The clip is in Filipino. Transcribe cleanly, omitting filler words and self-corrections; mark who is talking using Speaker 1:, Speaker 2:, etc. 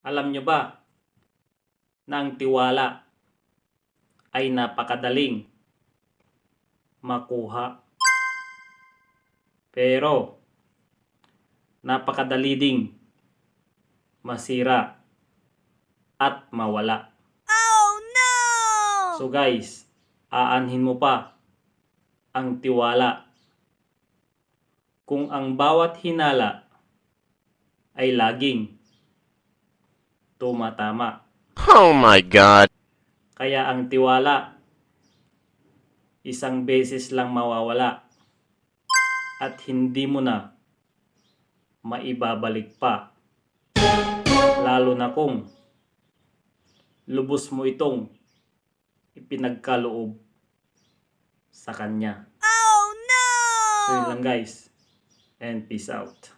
Speaker 1: Alam nyo ba na ang tiwala ay napakadaling makuha, pero napakadali ding masira at mawala.
Speaker 2: Oh no!
Speaker 1: So guys, aanhin mo pa ang tiwala kung ang bawat hinala ay laging tumatama.
Speaker 3: Oh my God!
Speaker 1: Kaya ang tiwala, isang beses lang mawawala at hindi mo na maibabalik pa. Lalo na kung lubos mo itong ipinagkaloob sa kanya.
Speaker 2: Oh no!
Speaker 1: So yun lang guys, and peace out.